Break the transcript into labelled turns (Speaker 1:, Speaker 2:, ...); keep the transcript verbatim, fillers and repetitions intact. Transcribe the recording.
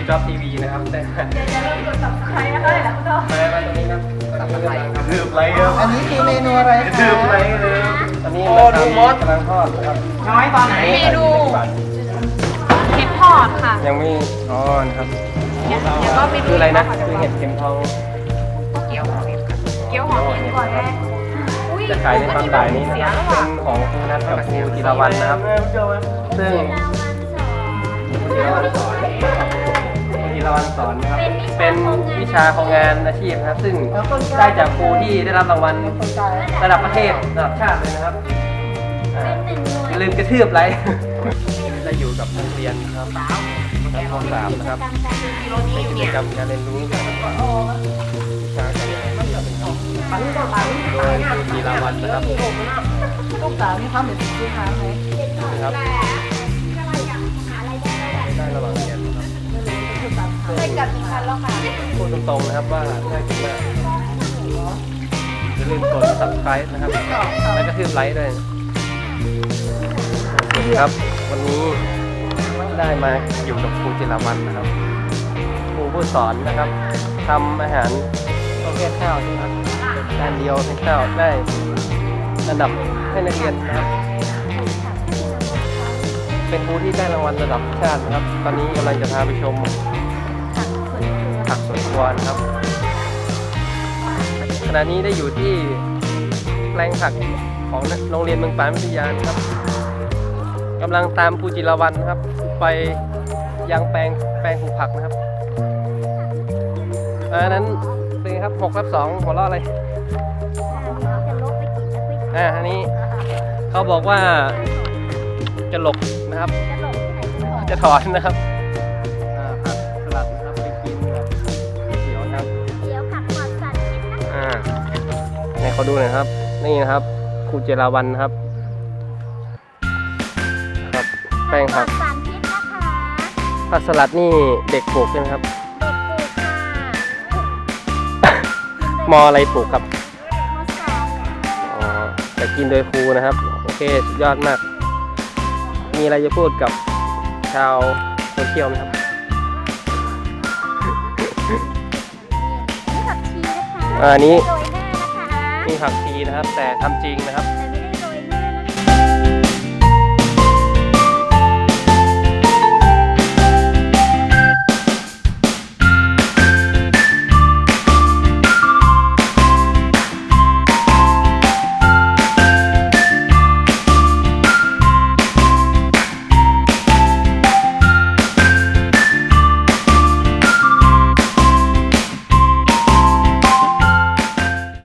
Speaker 1: จ็อบทีวีนะครับแต่จะเริ่มกดตับใครนะคะเนี่ยคุณพ่อไปไปตรงนี้ครับตับใครครับดืบไรครับ
Speaker 2: อันนี้คือเมนูอะไรคะ
Speaker 1: ดืบไรเลยตอนนี้โอ้ดูมดกำลังทอดนะครับ
Speaker 2: น้อยตอนไหน
Speaker 3: เมนูเห็ดทอดค่ะ
Speaker 1: ยังไม่อ๋อนะครับ
Speaker 3: เดี๋ยวก็ไปดู
Speaker 1: คืออะไรนะคือเห็ดเข็มทอง
Speaker 3: เกี๊ยวหอมเห็ดเกี๊ยวหอมเห็ดก่อนแม่
Speaker 1: จะขายในตอนบ่ายนี้นะครับเป็นของคุณนัทกับครูธีรวรรณนะครับซึ่งครูธีรวรรณสอนครูธีรวรรณสอนนะครับเป็นวิชาของงานอาชีพนะครับซึ่งได้จากครูที่ได้รับรางวัลระดับประเทศระดับชาติเลยนะครับอย่าลืมกระทืบไรจะอยู่กับนักเรียนครับชั้นม.สามนะครับเป็นกิจกรรมการเรียนรู้วิชาการงานที่เป็นของโดยครูธีรวรรณนะครับ
Speaker 2: ลูกสาวมีความเป็นลูกค้าไหม
Speaker 1: นะครับได้ระหว่างเรียนนะครับ
Speaker 3: ใช่กับอีกคันแล้วค่ะ
Speaker 1: พูดตรงๆนะครับว่าน่ากินมากอย่าลืมกด ซับสไครบ์ นะครับแล้วก็ทืบไลค์ด้วยครับวันนี้ได้มาอยู่กับครูธีรวรรณนะครับครูผู้สอนนะครับทำอาหารประเภทข้าวนะครับจานเดียวให้ข้าวได้ระดับให้นักเรียนนะครับเป็นครูที่ได้รางวัลระดับชาตินะครับตอนนี้กำลังจะพาไปชมผักสวนครัวนะครับขณะนี้ได้อยู่ที่แปลงผักของโรงเรียนเมืองปานวิทยานะครับกำลังตามครูจิรวรรณนะครับไปยังแปลงแปลงปลูกผักนะครับอันนั้นเป็นครับหกทับสองหัวเราะอะไรอ่าอันนี้เขาบอกว่าจะหลบนะครับจะถอนนะครับผักสลัดนะครับไปกินแบบเขียวครับ
Speaker 4: เดี๋ยวผักปลอดสารพิษนะคะ
Speaker 1: อ่าให้เขาดูหน่อยครับนี่นะครับครูจิรวรรณนะครับครับแป้งผัก
Speaker 4: สารพิษนะคะ
Speaker 1: ผักสลัดนี่เด็กปลูกใช่ไหมครับ
Speaker 4: เด็กปลูกค่ะ
Speaker 1: มออะไรปลูกครับ
Speaker 4: มสาม
Speaker 1: อ๋อแต่กินโดยครูนะครับโอเคสุดยอดมากมีอะไรจะพูดกับชาวโซเชียลไหมครับ
Speaker 4: นี่ผักชีนะคะ
Speaker 1: อันนี้
Speaker 4: โรยหน้านะคะ
Speaker 1: นี่ผักชีนะครับแต่ทำจริงนะครับ
Speaker 4: แต่ไม่ได้